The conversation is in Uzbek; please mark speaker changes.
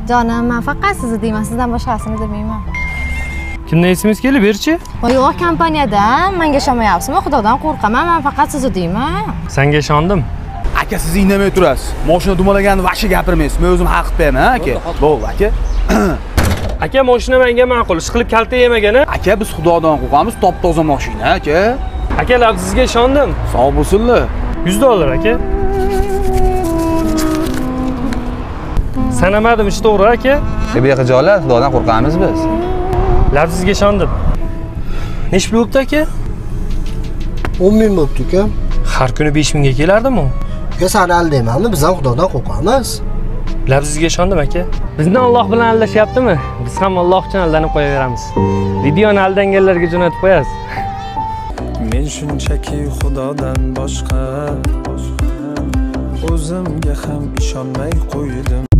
Speaker 1: Canım, men faqat sizni deyman, sizdan boshqasini demayman.
Speaker 2: Kimdan esimiz kelib berchi?
Speaker 1: Yo'q, kompaniyada menga ishomayapsizmi? Xudodan qo'rqaman, men faqat sizni deyman.
Speaker 2: Senga ishondim.
Speaker 3: Aka siz indamay turasiz. Mashina dumalaganni vaqti gapirmaysiz. Men o'zim haq qilib ha aka. Bo'ldi aka.
Speaker 2: Aka, mashina menga ma'qul, ishqilib kalta yemagan-a?
Speaker 3: Aka biz Xudodan qo'rqamiz, top-toza mashina aka.
Speaker 2: Aka, sizga ishondim.
Speaker 3: Sog' bo'lsinlar.
Speaker 2: $100 aka. Sanamadim, ish to'g'ri aka.
Speaker 4: Bu yoqqa joylar, Xudodan qo'rqamiz biz.
Speaker 2: Sizga ishondim. Nech pul bo'pti aka?
Speaker 5: 10 ming bo'pti uka.
Speaker 2: Har kuni 5 mingga kelardimi?
Speaker 5: Uka sani aldaymanmi? Biz ham Xudodan qo'rqamiz.
Speaker 2: Sizga ishondim aka. Bizni Alloh bilan aldashyaptimi? Biz ham Alloh uchun aldanib qo'yaveramiz. Videoni aldanganlarga jo'natib qo'yasiz.
Speaker 6: Men shunchaki Xudodan boshqa o'zimga ham ishonmay qo'ydim.